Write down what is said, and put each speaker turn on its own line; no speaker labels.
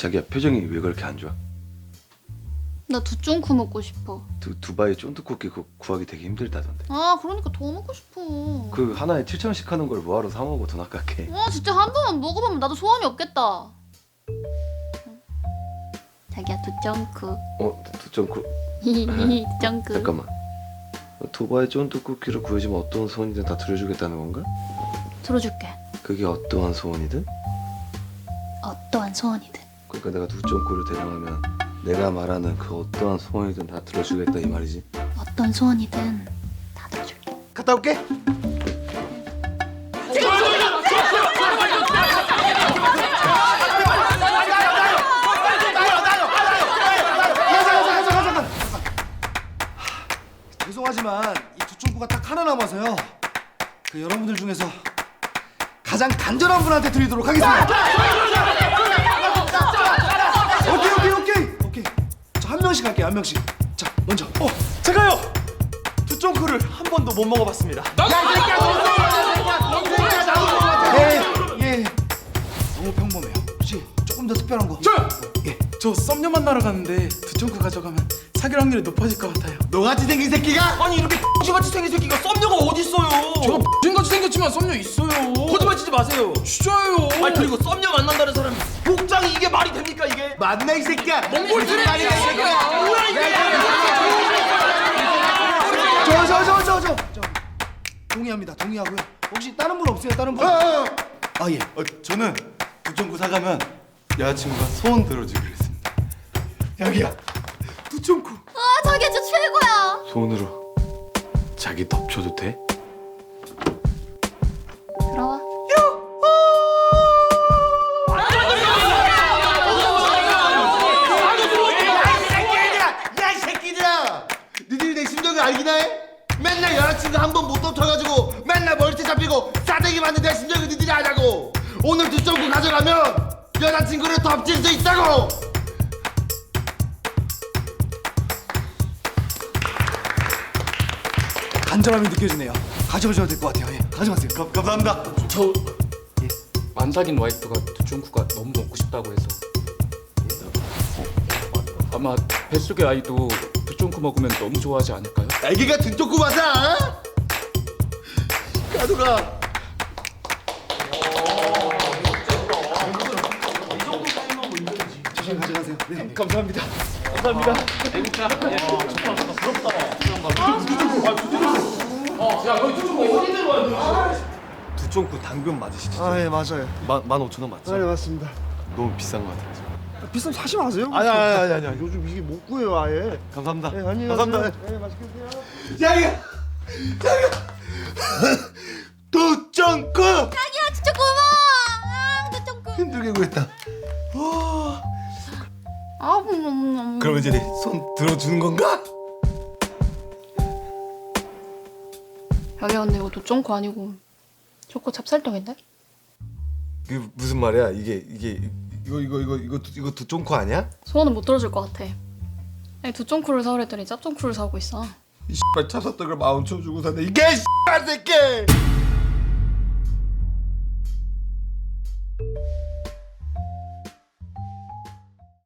자기야 표정이 왜 그렇게 안 좋아?
나 두쫑쿠 먹고 싶어.
두바이 쫀득쿠키 그거 구하기 되게 힘들다던데.
아 그러니까 더 먹고 싶어.
그 하나에 7,000원씩 하는 걸 뭐하러 사 먹어 돈 아깝게.
와 진짜 한 번만 먹어보면 나도 소원이 없겠다. 자기야 두쫑쿠.
두쫑쿠.
두쫑쿠.
잠깐만. 두바이 쫀득쿠키를 구해주면 어떤 소원이든 다 들어주겠다는 건가?
들어줄게.
그게 어떠한 소원이든?
어떠한 소원이든.
그러니까 내가 두쫑쿠를 대령하면 내가 말하는 그 어떠한 소원이든 다 들어주겠다 이 말이지.
어떤 소원이든 다 들어줄게.
갔다 올게.
죄송하지만 이 두쫑구가 딱 하나 남아서요. 그 여러분들 중에서 가장 간절한 분한테 드리도록 하겠습니다. 오케이. 자, 한 명씩 할게요. 한 명씩. 자, 먼저.
제가요! 두쫑쿠를 한 번도 못 먹어봤습니다.
예. 너무 평범해요. 혹시 조금 더 특별한 거?
저 썸녀 만나러 가는데 두쫑쿠 가져가면 사귈 확률이 높아질 것 같아요.
너같이 생긴 새끼가?
아니 이렇게 X같이 생긴 새끼가 썸녀가 어딨어요?
제가 X같이 생겼지만 썸녀 있어요.
거짓말 치지 마세요.
진짜예요.
아니 그리고 썸녀 만난다는 사람이 복장이 이게 말이 됩니까 이게?
맞나 이 새끼야?
몽골 쓰레기 새끼야.
뭐야 이게?
저 동의하고요. 혹시 다른 분 없어요? 다른 분? 예.
저는 두쫑쿠 사가면 여자친구가 소원 들어주기로 했습니다.
여기야. 두쫑쿠.
아 자기야 진짜 최고야.
손으로 자기 덮쳐도 돼?
들어와.
야 이 새끼들아! 니들이 내 심정을 알긴 해? 맨날 여자친구 한 번 못 덮쳐가지고 맨날 멀티 잡히고 싸대기 맞는 내 심정을 니들이 아냐고! 오늘 두쫑구 가져가면 여자친구를 덮칠 수 있다고! 간절함이 느껴지네요. 가져가셔도 될 것 같아요. 예, 가져가세요.
감사합니다.
저 안 사귄 와이프가 두쫑쿠가 너무 먹고 싶다고 해서 아마 뱃속의 아이도 두쫑쿠 먹으면 너무 좋아하지 않을까요?
애기가 두쫑구 맞아? 가져가. 조심 가져가세요. 네.
감사합니다.
두쫑쿠 당근 맞으시죠?
아, 예, 맞아요.
15,000원 맞죠?
네, 맞습니다.
너무 비싼 것 같아요.
비싸면 사지 마세요.
아니.
요즘 이게 못 구해요, 아예.
감사합니다.
네, 안녕히
감사합니다.
가세요. 네, 맛있게 드세요. 자기야! 두쫑쿠!
자기야 진짜 고마워. 아 두쫑쿠.
힘들게 구했다.
그럼 이제 손 들어주는 건가?
자기야 근데 이거 두쫑쿠 아니고 초코 찹쌀떡인데?
그 무슨 말이야? 이거 두쫑쿠 아니야?
소원은 못 들어줄 것 같아. 아니 두쫑쿠를 사오랬더니 짭쫑쿠를 사오고 있어.
이 씨발 찹쌀떡을 10,000원 주고 샀네. 이게 씨발 새끼!